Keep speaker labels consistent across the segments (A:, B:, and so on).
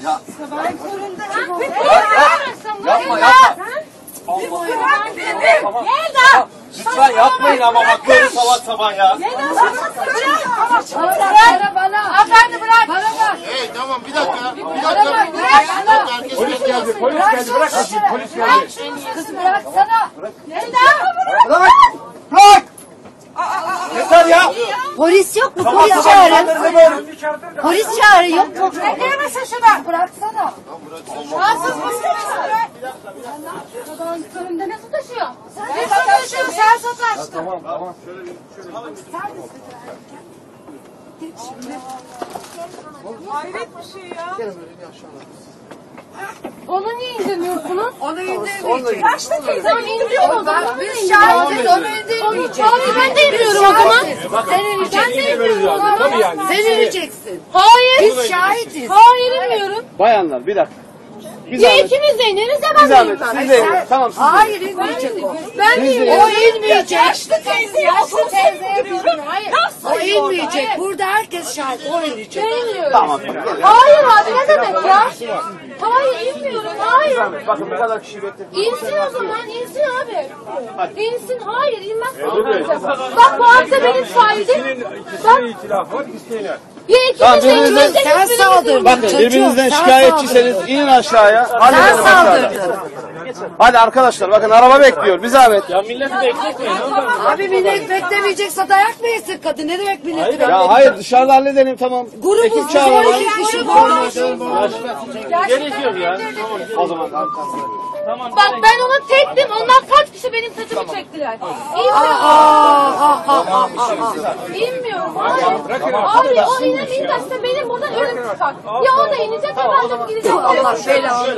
A: Ya.
B: Ben zorunda.
A: Yapma yapma. Tamam. Lütfen yapmayın ama bak böyle sabah sabah ya.
B: Bırak bana. Hanımefendi bırak. Bana bak.
C: Hey tamam bir dakika.
A: Polis geldi, polis geldi. Bırak şimdi, polis geldi.
B: Kız bıraksana.
A: Bırak! Bırak! Yeter ya!
B: Polis yok mu?
A: Sabah
B: Polis
A: sabah
B: çağırın.
A: insanları böyle.
B: Polis çağırın yok mu? Bekleyemezsin şunu. Bıraksana.
D: Rahatsız mısınız? Önümde nasıl taşıyor? Sen sataştın, sen sataştın.
A: Tamam tamam.
D: Hayret bir şey ya. Onu niye indirmiyorsunuz?
B: Onu indirmeyecek.
D: Kaçta teyzem indiriyor o zaman.
B: Biz şahidiz onu indirmeyecek.
D: Abi ben de indiriyorum o zaman.
B: Sen ineceksin.
A: Tabii yani.
B: Sen ineceksin.
D: Hayır.
B: Biz şahitiz.
D: Hayır inmiyorum.
A: Bayanlar bir dakika. Bir
D: Ya
A: zahmet.
D: ikimiz de ineriz ya
A: Bir
D: ben de
A: zahmet.
D: inmem.
A: Siz de inin. Tamam siz de inin.
B: Hayır inmeyecek o.
D: Ben de
B: O
D: inmiyorum.
B: inmeyecek.
D: Yaşlı teyzeye diyorum. Hayır.
B: O inmeyecek. Burada herkes şahit. O inecek.
D: Ben inmiyorum.
A: Tamam.
D: Hayır abi ne demek ya? Hayır inmiyorum. Hayır.
A: Bakın bu kadar kişi bekledim.
D: İnsin o zaman, insin abi. İnsin, hayır inmez. Bak bu arada benim şahidim. Bak.
A: itilaf var, isteğine.
D: Ya
A: Tamam,
D: ikimiz de
A: birbirinizden-
D: ikimiz de
B: Sen
D: hiçbirimiz
B: saldırdın.
A: Bakın
B: Çocuğum,
A: birbirinizden
B: sen
A: şikayetçiseniz inin aşağıya.
B: Sen
A: Halledelim aşağıda.
B: saldırdın.
A: Hadi arkadaşlar bakın araba bekliyor. Bir zahmet.
E: Ya milleti bekletmeyin.
B: Abi millet beklemeyecekse dayak mı yesin kadın? Ne demek milleti beklemeyecek?
A: Ya hayır dışarıda halledelim tamam.
B: Grubuz
A: Ekip
B: biz
A: çağıralım.
B: 12 kişi koymuş.
E: Gerek yok ya.
A: O zaman.
D: Bak ben ona tektim, onlar kaç kişi benim saçımı çektiler. İnmiyorum. Abi o inemeyecekse benim buradan ölüm çıkar. Ya o da inecek ya ben de gideceğim.
B: Allah belanı.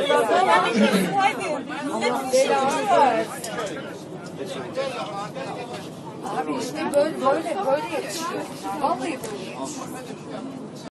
B: Abi işte böyle yetişiyor. Vallahi böyle yetişiyor.